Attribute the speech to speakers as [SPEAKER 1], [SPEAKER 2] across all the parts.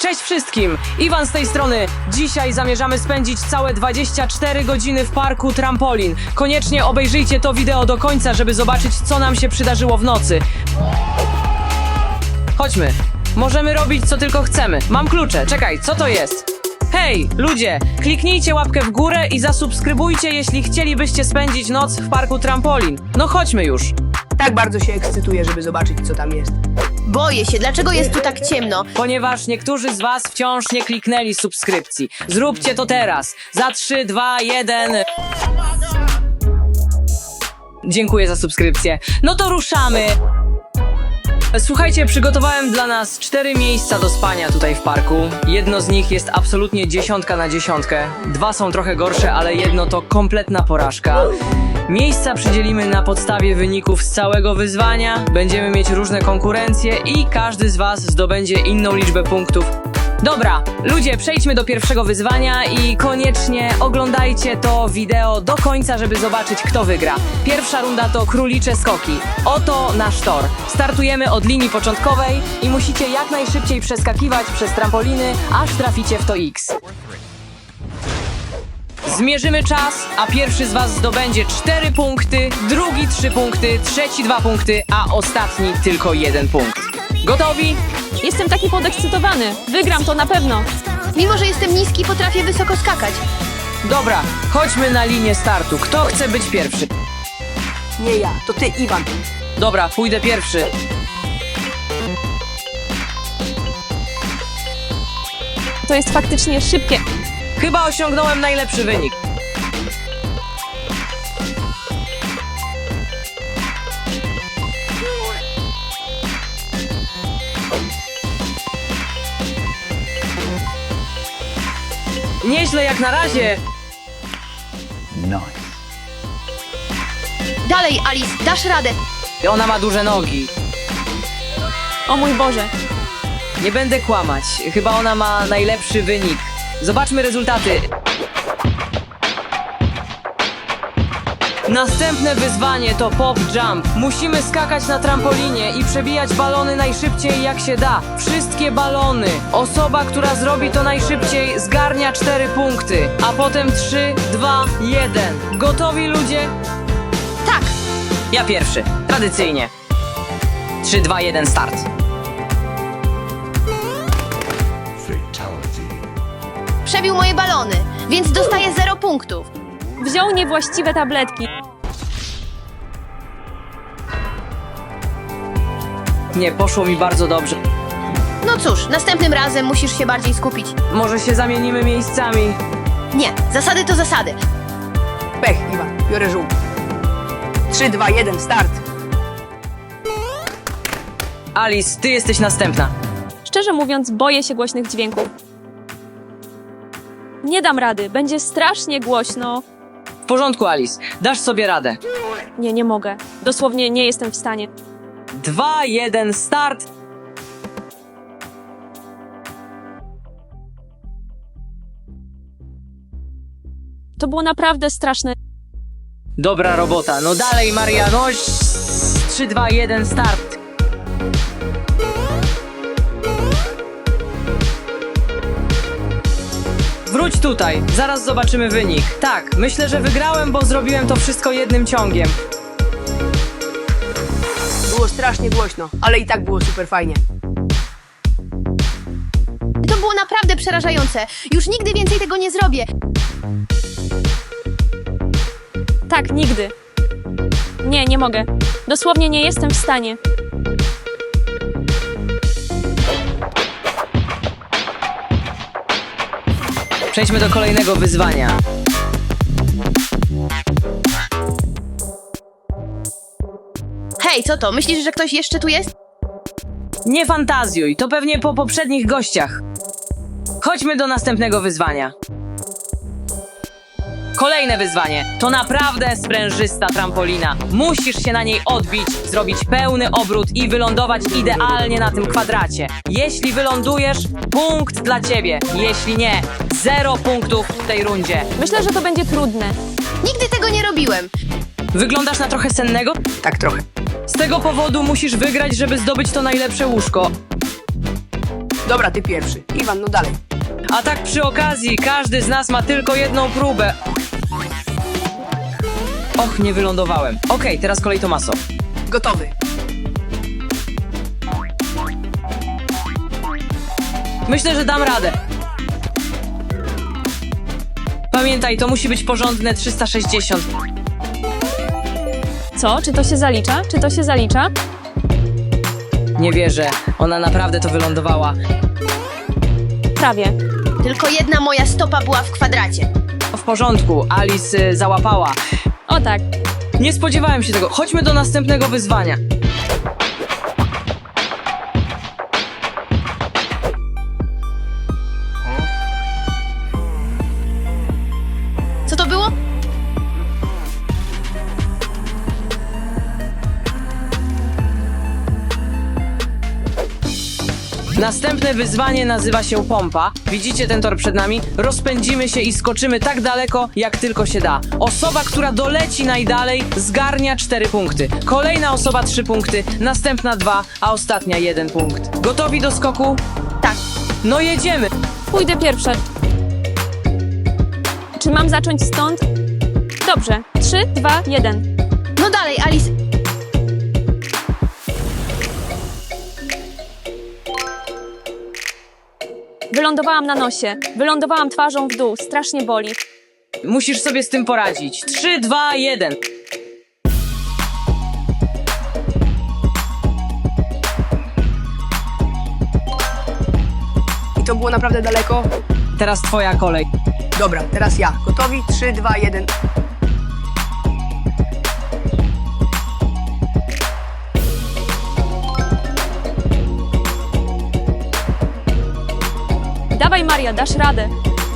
[SPEAKER 1] Cześć wszystkim! Iwan z tej strony. Dzisiaj zamierzamy spędzić całe 24 godziny w parku trampolin. Koniecznie obejrzyjcie to wideo do końca, żeby zobaczyć, co nam się przydarzyło w nocy. Chodźmy. Możemy robić, co tylko chcemy. Mam klucze. Czekaj, co to jest? Hej, ludzie! Kliknijcie łapkę w górę i zasubskrybujcie, jeśli chcielibyście spędzić noc w parku trampolin. No chodźmy już.
[SPEAKER 2] Tak bardzo się ekscytuję, żeby zobaczyć, co tam jest.
[SPEAKER 3] Boję się, dlaczego jest tu tak ciemno?
[SPEAKER 1] Ponieważ niektórzy z was wciąż nie kliknęli subskrypcji. Zróbcie to teraz. Za 3, 2, 1... Dziękuję za subskrypcję. No to ruszamy! Słuchajcie, przygotowałem dla nas 4 miejsca do spania tutaj w parku. Jedno z nich jest absolutnie 10 na 10. 2 są trochę gorsze, ale jedno to kompletna porażka. Miejsca przydzielimy na podstawie wyników z całego wyzwania. Będziemy mieć różne konkurencje i każdy z was zdobędzie inną liczbę punktów. Dobra, ludzie, przejdźmy do pierwszego wyzwania i koniecznie oglądajcie to wideo do końca, żeby zobaczyć, kto wygra. Pierwsza runda to królicze skoki. Oto nasz tor. Startujemy od linii początkowej i musicie jak najszybciej przeskakiwać przez trampoliny, aż traficie w to X. Zmierzymy czas, a pierwszy z was zdobędzie 4 punkty, drugi 3 punkty, trzeci 2 punkty, a ostatni tylko 1 punkt. Gotowi?
[SPEAKER 4] Jestem taki podekscytowany. Wygram to na pewno.
[SPEAKER 3] Mimo, że jestem niski, potrafię wysoko skakać.
[SPEAKER 1] Dobra, chodźmy na linię startu. Kto chce być pierwszy?
[SPEAKER 2] Nie ja, to ty, Iwan.
[SPEAKER 1] Dobra, pójdę pierwszy.
[SPEAKER 4] To jest faktycznie szybkie.
[SPEAKER 1] Chyba osiągnąłem najlepszy wynik. Nieźle jak na razie.
[SPEAKER 3] Dalej, Alice, dasz radę.
[SPEAKER 1] Ona ma duże nogi.
[SPEAKER 4] O mój Boże.
[SPEAKER 1] Nie będę kłamać. Chyba ona ma najlepszy wynik. Zobaczmy rezultaty. Następne wyzwanie to pop jump. Musimy skakać na trampolinie i przebijać balony najszybciej jak się da. Wszystkie balony. Osoba, która zrobi to najszybciej, zgarnia 4 punkty. A potem 3, 2, 1. Gotowi, ludzie?
[SPEAKER 3] Tak,
[SPEAKER 1] Ja pierwszy. Tradycyjnie. 3, 2, 1, start.
[SPEAKER 3] przebił moje balony, więc dostaję 0 punktów.
[SPEAKER 4] Wziął niewłaściwe tabletki.
[SPEAKER 1] Nie, poszło mi bardzo dobrze.
[SPEAKER 3] No cóż, następnym razem musisz się bardziej skupić.
[SPEAKER 1] Może się zamienimy miejscami.
[SPEAKER 3] Nie, zasady to zasady.
[SPEAKER 2] Pech, Iwan, biorę żółty. 3, 2, 1, start.
[SPEAKER 1] Alice, ty jesteś następna.
[SPEAKER 4] Szczerze mówiąc, boję się głośnych dźwięków. Nie dam rady. Będzie strasznie głośno.
[SPEAKER 1] W porządku, Alice. Dasz sobie radę.
[SPEAKER 4] Nie mogę. Dosłownie nie jestem w stanie.
[SPEAKER 1] 2, 1, start!
[SPEAKER 4] To było naprawdę straszne.
[SPEAKER 1] Dobra robota. No dalej, Mariano. 3, 2, 1, start! Wróć tutaj. Zaraz zobaczymy wynik. Tak, myślę, że wygrałem, bo zrobiłem to wszystko jednym ciągiem.
[SPEAKER 2] Było strasznie głośno, ale i tak było super fajnie.
[SPEAKER 3] To było naprawdę przerażające. Już nigdy więcej tego nie zrobię.
[SPEAKER 4] Tak, nigdy. Nie mogę. Dosłownie nie jestem w stanie.
[SPEAKER 1] Przejdźmy do kolejnego wyzwania.
[SPEAKER 3] Hej, co to? Myślisz, że ktoś jeszcze tu jest?
[SPEAKER 1] Nie fantazjuj, to pewnie po poprzednich gościach. Chodźmy do następnego wyzwania. Kolejne wyzwanie. To naprawdę sprężysta trampolina. Musisz się na niej odbić, zrobić pełny obrót i wylądować idealnie na tym kwadracie. Jeśli wylądujesz, punkt dla ciebie. Jeśli nie, 0 punktów w tej rundzie.
[SPEAKER 4] Myślę, że to będzie trudne.
[SPEAKER 3] Nigdy tego nie robiłem.
[SPEAKER 1] Wyglądasz na trochę sennego?
[SPEAKER 2] Tak trochę.
[SPEAKER 1] Z tego powodu musisz wygrać, żeby zdobyć to najlepsze łóżko.
[SPEAKER 2] Dobra, ty pierwszy. Iwan, no dalej.
[SPEAKER 1] A tak przy okazji, każdy z nas ma tylko jedną próbę. Och, nie wylądowałem. Okej, teraz kolej Tomaso.
[SPEAKER 2] Gotowy.
[SPEAKER 1] Myślę, że dam radę. Pamiętaj, to musi być porządne 360.
[SPEAKER 4] Co? Czy to się zalicza? Czy to się zalicza?
[SPEAKER 1] Nie wierzę, ona naprawdę to wylądowała.
[SPEAKER 4] Prawie.
[SPEAKER 3] Tylko jedna moja stopa była w kwadracie.
[SPEAKER 1] W porządku, Alice załapała.
[SPEAKER 4] O tak.
[SPEAKER 1] Nie spodziewałem się tego. Chodźmy do następnego wyzwania.
[SPEAKER 3] Co to było?
[SPEAKER 1] Następne wyzwanie nazywa się pompa. Widzicie ten tor przed nami? Rozpędzimy się i skoczymy tak daleko, jak tylko się da. Osoba, która doleci najdalej, zgarnia 4 punkty. Kolejna osoba 3 punkty, następna 2, a ostatnia 1 punkt. Gotowi do skoku?
[SPEAKER 3] Tak.
[SPEAKER 1] No jedziemy!
[SPEAKER 4] Pójdę pierwsza. Czy mam zacząć stąd? Dobrze. 3, 2, 1.
[SPEAKER 3] No dalej, Alice.
[SPEAKER 4] Wylądowałam na nosie. Wylądowałam twarzą w dół. Strasznie boli.
[SPEAKER 1] Musisz sobie z tym poradzić. 3, 2, 1.
[SPEAKER 2] I to było naprawdę daleko.
[SPEAKER 1] Teraz twoja kolej.
[SPEAKER 2] Dobra, teraz ja. Gotowi? 3, 2, 1.
[SPEAKER 4] Dawaj, Maria, dasz radę.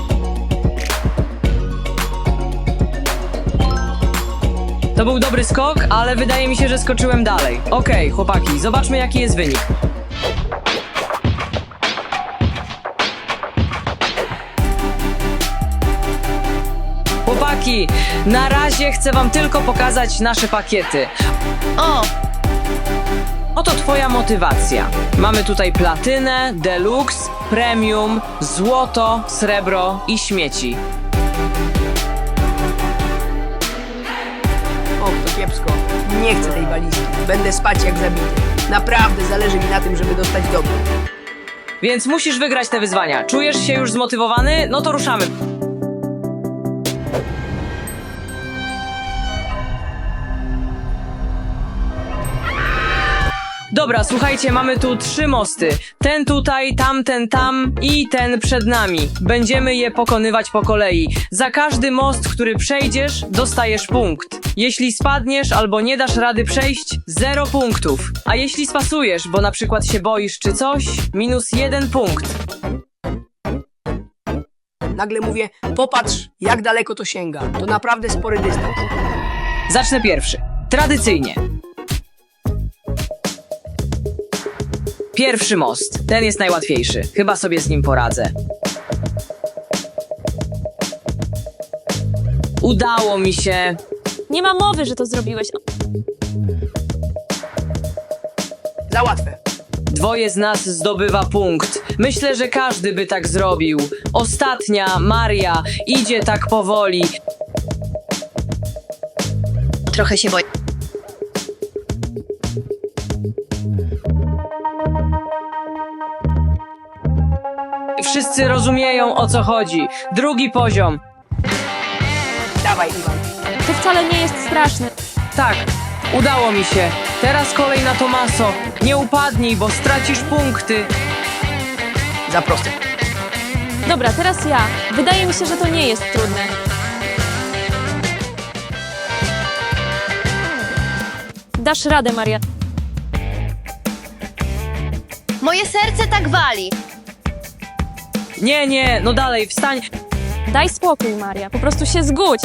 [SPEAKER 1] To był dobry skok, ale wydaje mi się, że skoczyłem dalej. Okej, chłopaki, zobaczmy jaki jest wynik. Chłopaki, na razie chcę wam tylko pokazać nasze pakiety.
[SPEAKER 3] O,
[SPEAKER 1] Oto twoja motywacja. Mamy tutaj platynę, deluxe, premium, złoto, srebro i śmieci.
[SPEAKER 2] Och, to kiepsko. Nie chcę tej walizki. Będę spać jak zabity. Naprawdę zależy mi na tym, żeby dostać dobro.
[SPEAKER 1] Więc musisz wygrać te wyzwania. Czujesz się już zmotywowany? No to ruszamy. Dobra, słuchajcie, mamy tu 3 mosty. Ten tutaj, tamten tam i ten przed nami. Będziemy je pokonywać po kolei. Za każdy most, który przejdziesz, dostajesz punkt. Jeśli spadniesz albo nie dasz rady przejść, 0 punktów. A jeśli spasujesz, bo na przykład się boisz czy coś, minus 1 punkt.
[SPEAKER 2] Nagle mówię, popatrz, jak daleko to sięga. To naprawdę spory dystans.
[SPEAKER 1] Zacznę pierwszy. Tradycyjnie. Pierwszy most. Ten jest najłatwiejszy. Chyba sobie z nim poradzę. Udało mi się.
[SPEAKER 4] Nie ma mowy, że to zrobiłeś.
[SPEAKER 2] Za łatwe.
[SPEAKER 1] 2 z nas zdobywa punkt. Myślę, że każdy by tak zrobił. Ostatnia, Maria, idzie tak powoli.
[SPEAKER 3] trochę się boję.
[SPEAKER 1] Wszyscy rozumieją, o co chodzi. Drugi poziom.
[SPEAKER 2] Dawaj, Iwan.
[SPEAKER 4] To wcale nie jest straszne.
[SPEAKER 1] Tak, udało mi się. Teraz kolej na Tomaso. Nie upadnij, bo stracisz punkty.
[SPEAKER 2] Za proste.
[SPEAKER 4] Dobra, teraz ja. Wydaje mi się, że to nie jest trudne. Dasz radę, Maria.
[SPEAKER 3] Moje serce tak wali.
[SPEAKER 1] Nie, no dalej, wstań.
[SPEAKER 4] Daj spokój, Maria. Po prostu się zgódź.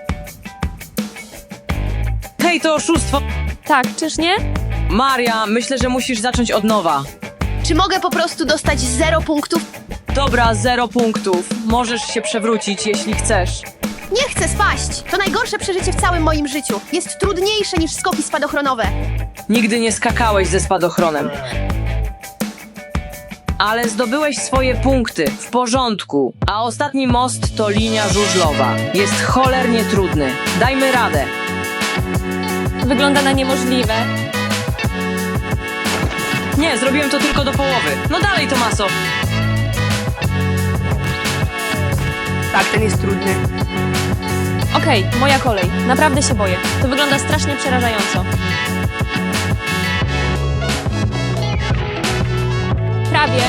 [SPEAKER 1] Hej, to oszustwo.
[SPEAKER 4] Tak, czyż nie?
[SPEAKER 1] Maria, myślę, że musisz zacząć od nowa.
[SPEAKER 3] Czy mogę po prostu dostać 0 punktów?
[SPEAKER 1] Dobra, 0 punktów. Możesz się przewrócić, jeśli chcesz.
[SPEAKER 3] Nie chcę spaść! To najgorsze przeżycie w całym moim życiu. Jest trudniejsze niż skoki spadochronowe.
[SPEAKER 1] Nigdy nie skakałeś ze spadochronem. Ale zdobyłeś swoje punkty. W porządku. A ostatni most to linia żużlowa. Jest cholernie trudny. Dajmy radę.
[SPEAKER 4] Wygląda na niemożliwe.
[SPEAKER 1] Nie, zrobiłem to tylko do połowy. No dalej, Tomaso.
[SPEAKER 2] Tak, ten jest trudny.
[SPEAKER 4] Okej, moja kolej. Naprawdę się boję. To wygląda strasznie przerażająco. Prawie.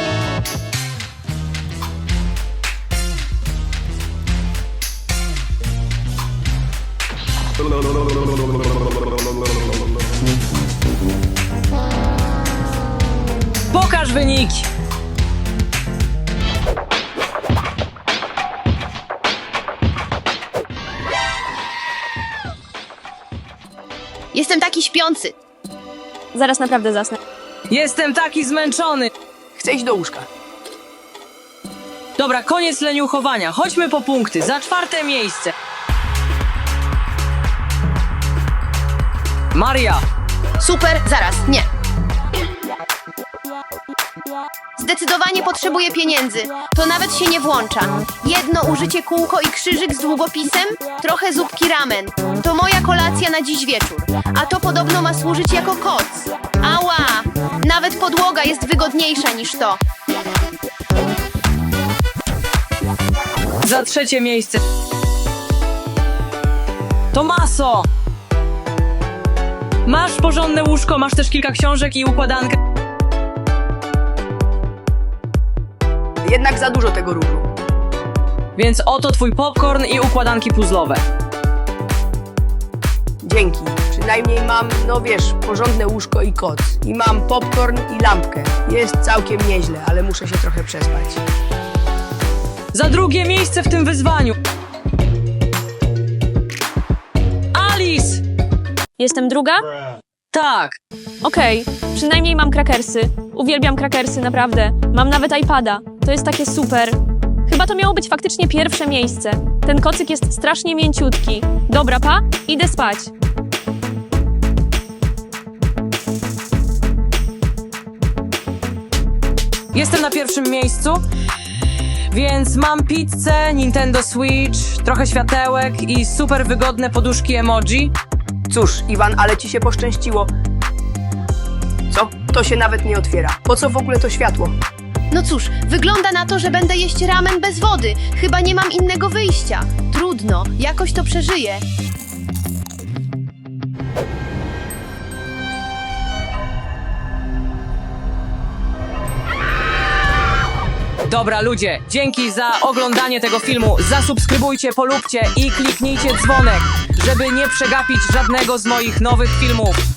[SPEAKER 1] Pokaż wyniki.
[SPEAKER 3] Jestem taki śpiący.
[SPEAKER 4] Zaraz naprawdę zasnę.
[SPEAKER 1] Jestem taki zmęczony.
[SPEAKER 2] Chcę iść do łóżka.
[SPEAKER 1] Dobra, koniec leniuchowania. Chodźmy po punkty. Za 4. miejsce. Maria.
[SPEAKER 3] Super, zaraz, nie. Zdecydowanie potrzebuję pieniędzy. To nawet się nie włącza. Jedno użycie kółko i krzyżyk z długopisem, trochę zupki ramen. To moja kolacja na dziś wieczór. A to podobno ma służyć jako koc. Ała! Nawet podłoga jest wygodniejsza niż to.
[SPEAKER 1] Za 3. miejsce. Tomaso. Masz porządne łóżko, masz też kilka książek i układankę.
[SPEAKER 2] Jednak za dużo tego różu.
[SPEAKER 1] Więc oto twój popcorn i układanki puzzlowe.
[SPEAKER 2] Dzięki. Przynajmniej mam, no wiesz, porządne łóżko i koc. I mam popcorn i lampkę. Jest całkiem nieźle, ale muszę się trochę przespać.
[SPEAKER 1] Za 2. miejsce w tym wyzwaniu. Alice!
[SPEAKER 4] Jestem druga?
[SPEAKER 1] Tak.
[SPEAKER 4] Okej, przynajmniej mam krakersy. Uwielbiam krakersy, naprawdę. Mam nawet iPada. To jest takie super. Chyba to miało być faktycznie 1. miejsce. Ten kocyk jest strasznie mięciutki. Dobra, pa, idę spać.
[SPEAKER 1] Jestem na 1. miejscu. Więc mam pizzę, Nintendo Switch, trochę światełek i super wygodne poduszki emoji.
[SPEAKER 2] Cóż, Iwan, ale ci się poszczęściło. Co? To się nawet nie otwiera. Po co w ogóle to światło?
[SPEAKER 3] No cóż, wygląda na to, że będę jeść ramen bez wody. Chyba nie mam innego wyjścia. Trudno, jakoś to przeżyję.
[SPEAKER 1] Dobra ludzie, dzięki za oglądanie tego filmu. Zasubskrybujcie, polubcie i kliknijcie dzwonek, żeby nie przegapić żadnego z moich nowych filmów.